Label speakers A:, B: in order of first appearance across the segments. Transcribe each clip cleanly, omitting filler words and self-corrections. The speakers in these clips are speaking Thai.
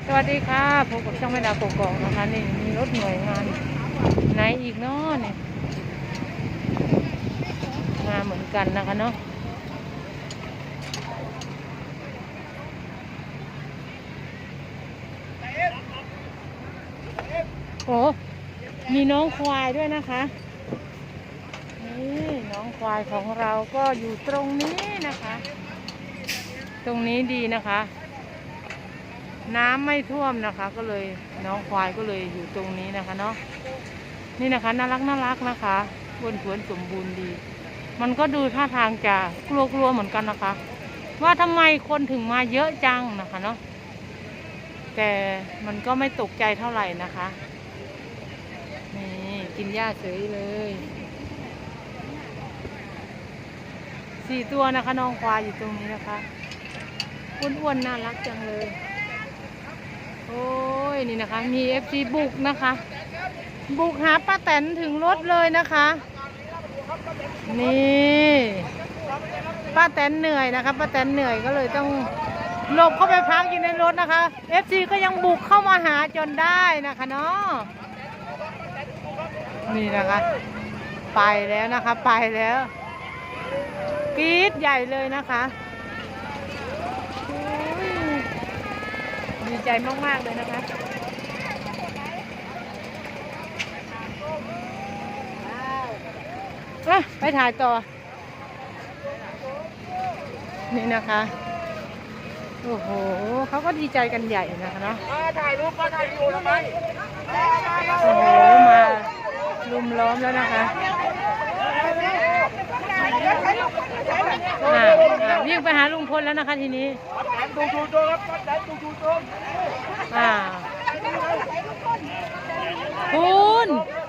A: สวัสดีค่ะพบกับช่องแม่ดาวกกอกนะคะนี่มีรถหน่วยงานไหนอีกเนาะเนี่ยมาเหมือนกันนะคะเนาะโอ้มีน้องควายด้วยนะคะนี่น้องควายของเราก็อยู่ตรงนี้นะคะตรงนี้ดีนะคะน้ำไม่ท่วมนะคะก็เลยน้องควายก็เลยอยู่ตรงนี้นะคะเนาะนี่นะคะน่ารักนะคะอ้วนท้วนสมบูรณ์ดีมันก็ดูท่าทางจะกลัวเหมือนกันนะคะว่าทำไมคนถึงมาเยอะจังนะคะเนาะแต่มันก็ไม่ตกใจเท่าไหร่นะคะนี่กินหญ้าเฉยเลย4 ตัวนะคะน้องควายอยู่ตรงนี้นะคะอ้วนๆน่ารักจังเลยโอ้ยนี่นะคะมี FC บุกนะคะบุกหาป้าแตนถึงรถเลยนะคะนี่ป้าแตนเหนื่อยนะคะป้าแตนเหนื่อยก็เลยต้องหลบเข้าไปพักอยู่ในรถนะคะ FC ก็ยังบุกเข้ามาหาจนได้นะคะเนาะนี่นะคะไปแล้วนะคะไปแล้วกรี๊ดใหญ่เลยนะคะดีใจมากๆเลยนะคะไปถ่ายต่อนี่นะคะโอ้โหเขาก็ดีใจกันใหญ่นะคะเนาะ
B: ถ่ายรูปก็ถ่ายวิดีโอทำไม
A: โอ้โหมาลุมล้อมแล้วนะคะวิ่งไปหาลุงพลแล้วนะคะทีนี้
B: ดูโจครับดูโจ
A: คุณ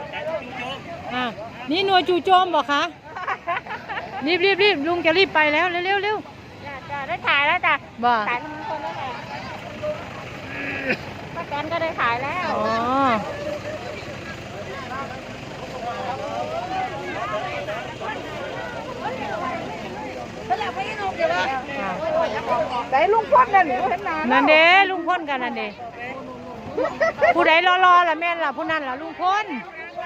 A: นี่หน่วยจู่โจมบอกคะรีบลุงจะรีบไปแล้วเร็ว
C: จ้ะได้ถ่ายแล้วจ้ะ
A: บ่
C: ถ่ายทั้งคนแล้วแหละป้าแตนก็ได้ถ่ายแล้ว
A: อ๋อ
C: ได้ลุงพ่นนั่นเห็นหนา
A: นั่นเด้ลุงพ่นกันนั่นเด้ผู้ใดรอล่ะแม่นล่ะผู้นั้นล่ะลุงพ่น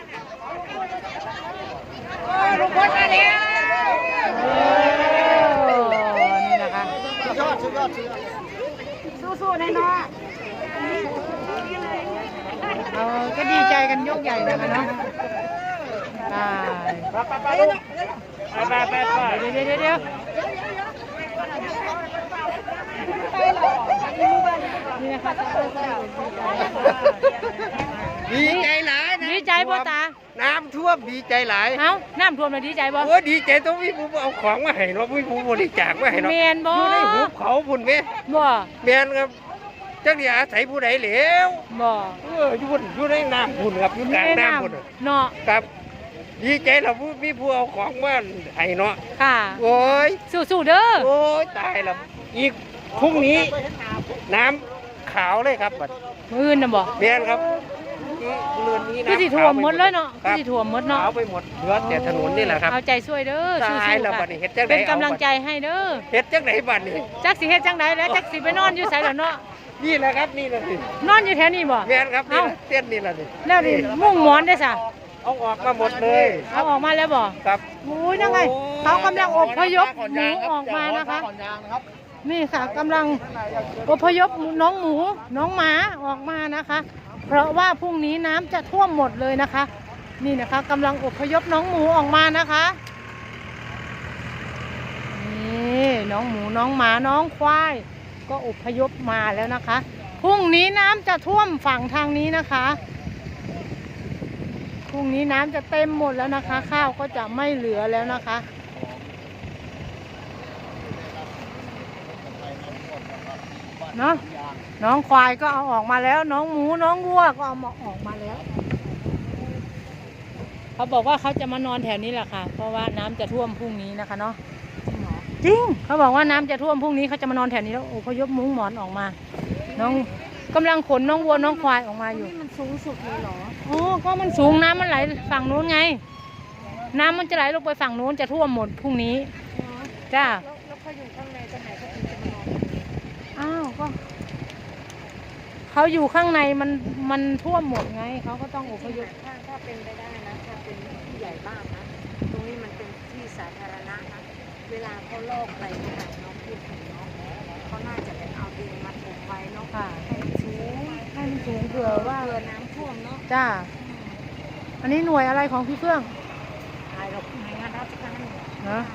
C: ลุงพ่นมาแล้ว
A: นี่นะคะ
B: สุดยอด
C: สู้ๆแน่นอน
A: ก็ดีใจกันยกใหญ่เลยนะเนาะ
B: ไปเ
A: ดี๋ยวนี่นะคะ
B: ดีใจหลาย
A: ดีใจบ่ตา
B: น้ำท่วมดีใจหลาย
A: เอ้าน้ำท่วมเลยดีใจบ่
B: โอ้ดีใจต้องมีผู้เอาของมาให้เนาะมีผู้บริจาคมาให้เนาะ
A: เมียนบ่
B: อยู่ในหุบเขาพุ่นไหม
A: บ่
B: เมียนครับจักนี่อาศัยผู้ใดเหลว
A: บ่
B: อยู่ในน้ำพุ่นครับอยู่กลางน้ำพุ่น
A: เนาะ
B: ครับดีใจเรามีผู้เอาของมาให้เนาะ
A: ค่ะ
B: โอ้ย
A: สู้เด้อ
B: โอ้ยตายแล้วอีกพรุ่งนี้น้ำขาวเลยครับบัด
A: มื้ออื่นน่ะบ่
B: เมียนครับเรือนนี้
A: น้ำสิท่วมหมดเลยเนาะสิท่วมหมดเนาะ
B: ขาวไปหมดเหลือแต่ถนนนี่แหละครับ
A: เอาใจช่วยเด้อสู้ๆค่ะเป็นกำลังใจให้เด้อ
B: เฮ็ดจังไหนบัดนี้
A: จักสิเฮ็ดจังไดแล้วจักสิไปนอนอยู่ไสล่ะเนาะ
B: นี่แหละครับนี่แหละสิ
A: นอนอยู่แถวนี้บ่
B: แม่นครับนี่เต้นนี่แหละนี่
A: แล้วนี่มุ่งหมอนได้ซะ
B: เอาออกมาหมดเลย
A: เอาออกมาแล้วบ่
B: ครับ
A: อุ้ยนั่นไงเขากำลังอพยพหมูออกมานะคะนี่ค่ะกำลังอพยพน้องหมูน้องหมาออกมานะคะเพราะว่าพรุ่งนี้น้ำจะท่วมหมดเลยนะคะนี่นะคะกำลังอพยพน้องหมูออกมานะคะนี่น้องหมูน้องหมาน้องควายก็อพยพมาแล้วนะคะพรุ่งนี้น้ำจะท่วมฝั่งทางนี้นะคะพรุ่งนี้น้ำจะเต็มหมดแล้วนะคะข้าวก็จะไม่เหลือแล้วนะคะเนาะน้องควายก็เอาออกมาแล้วน้องหมูน้องวัวก็เอามาออกมาแล้วเขาบอกว่าเขาจะมานอนแถวนี้แหละค่ะเพราะว่าน้ำจะท่วมพรุ่งนี้นะคะเนาะจริงเขาบอกว่าน้ำจะท่วมพรุ่งนี้เขาจะมานอนแถวนี้แล้วอพยพมุ้งหมอนออกมาน้องกำลังขนน้องวัวน้องควายออกมาอยู่
C: มันสูงสุดเลยเหรอ
A: โอ้ก็มันสูงน้ำมันไหลฝั่งนู้นไงน้ำมันจะไหลลงไปฝั่งนู้นจะท่วมหมดพรุ่งนี้จ้า
C: แล้วเขาอยู่ข้างในจะไหนก็ถึงจะมานอน
A: อ้าวก็เขาอยู่ข้างในมันท่วมหมดไงเขาก็ต้องอพยพ
C: ถ้าเป็นไปได้นะถ้าเป็นที่ใหญ่บ้านนะตรงนี้มันเป็นที่สาธารณะนะเวลาเขาลอกไปเนี่ยน้องพูดถึงเนาะเขาน่าจะเป็นเอาดินมาถมไว้เนาะ
A: ค่ะ
C: ให้มันสูง
A: ให้มันสูงเผื่อว่า
C: เผื่อน้ำท่วมเนาะ
A: จ้าอันนี้หน่วยอะไรของพี่เฟื่อง
C: ตายเราในงานราชการ
A: เนอะ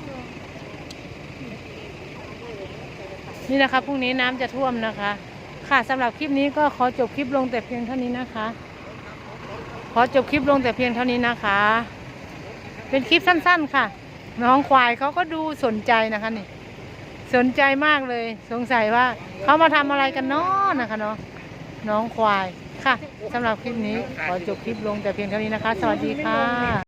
A: นี่นะคะพรุ่งนี้น้ำจะท่วมนะคะ ค่ะสำหรับคลิปนี้ก็ขอจบคลิปลงแต่เพียงเท่านี้นะคะ ขอจบคลิปลงแต่เพียงเท่านี้นะคะ เป็นคลิปสั้นๆค่ะ น้องควายเขาก็ดูสนใจนะคะนี่ สนใจมากเลย สงสัยว่าเขามาทำอะไรกันเนาะนะคะเนาะน้องควายค่ะสำหรับคลิปนี้ขอจบคลิปลงแต่เพียงเท่านี้นะคะ สวัสดีค่ะ